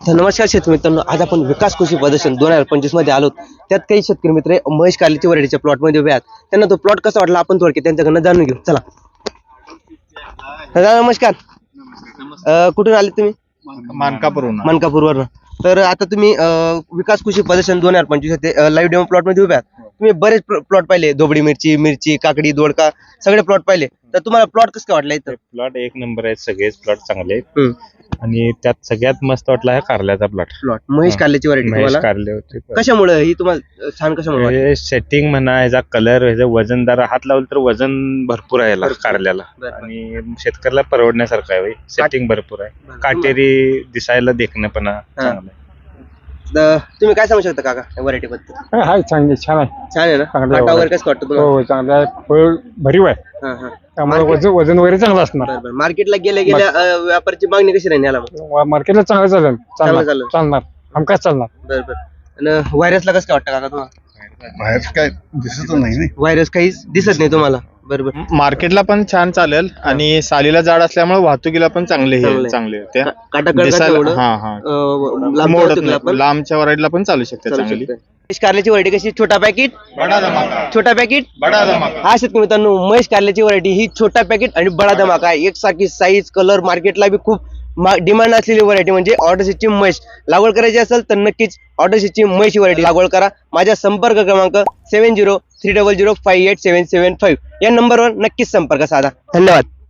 तर नमस्कार शेतकरी मित्रांनो, आज आपण विकास कृषी प्रदर्शन 2025 मध्ये आलो. त्यात काही शेतकरी मित्र महेश कार्लेची व्हरायटीच्या प्लॉट मध्ये उभे आहेत. त्यांना तो प्लॉट कसा वाटला आपण थोडक्यात त्यांच्याकडनं जाणून घेऊ. चला दादा नमस्कार. कुठून आले तुम्ही? मानकापूरवरून. तर आता तुम्ही विकास कृषी प्रदर्शन 2025 ते लाईव्ह डेमो प्लॉट मध्ये उभे आहात. तुम्ही बरेच प्लॉट पाहिले, धोबडी मिरची, काकडी, दोडका सगळे प्लॉट पाहिले. तर तुम्हाला प्लॉट कसं काय वाटला इथं? प्लॉट एक नंबर आहेत, सगळेच प्लॉट चांगले आहेत. आणि त्यात सगळ्यात मस्त वाटला हा कारल्याचा प्लॉट. महेश कार्लेची व्हरायटी महेश तुम्हाला कारले होते. कशामुळे ही तुम्हाला छान कशामुळे वाटली? सेटिंग म्हणा, ह्याचा कलर, ह्याचं वजनदार, हात लावलं तर वजन भरपूर आहे याला कारल्याला. बरं. आणि शेतकऱ्याला परवडण्यासारखं आहे. सेटिंग भरपूर आहे, काटेरी दिसायला देखणं पण चांगलं आहे. तर तुम्ही काय सांगू शकता काका या व्हरायटी बद्दल? हाय चांगली छान आहे. छान आहे ना? चांगलं आहे. काटा वगैरे कसं वाटतं तुम्हाला? हो चांगलं आहे. फळ भरीव आहे. हा, हा. त्यामुळे वजन वगैरे चांगलं असणार. मार्केटला गेल्या व्यापाराची मागणी कशी राहील याला मग? मार्केटला चांगलं चालेल. चालेल. चालणार हमकाच चालणार. बरोबर. आणि व्हायरसला कसं काय वाटतं काका तुम्हाला? बाहेर काय दिसत नाही. व्हायरस काहीच दिसत नाही तुम्हाला? बरोबर. मार्केटला पण छान चालेल आणि सालीला जाड असल्यामुळे वाहतुकीला पण चांगले होते. काटा दिसायला- हा हा मोडत नाही. लांबच्या वरायडीला पण चालू शकते चांगली. महेश कार्लेची व्हरायटी कशी? छोटा पॅकेट बडा धमाका, छोटा पॅकेट बडा धमाका. हा शेतकरी मित्रांनो, महेश कार्लेची व्हरायटी ही छोटा पॅकेट आणि बडा धमाका आहे. एकसारखी साईज, कलर, मार्केटला बी खूप डिमांड असलेली व्हरायटी म्हणजे ऑर्डर सीटची महेश. लागवड करायची असेल तर नक्कीच ऑर्डर सीटची महेश व्हरायटी लागवड करा. माझा संपर्क क्रमांक 7030058775 या नंबरवर नक्कीच संपर्क साधा. धन्यवाद.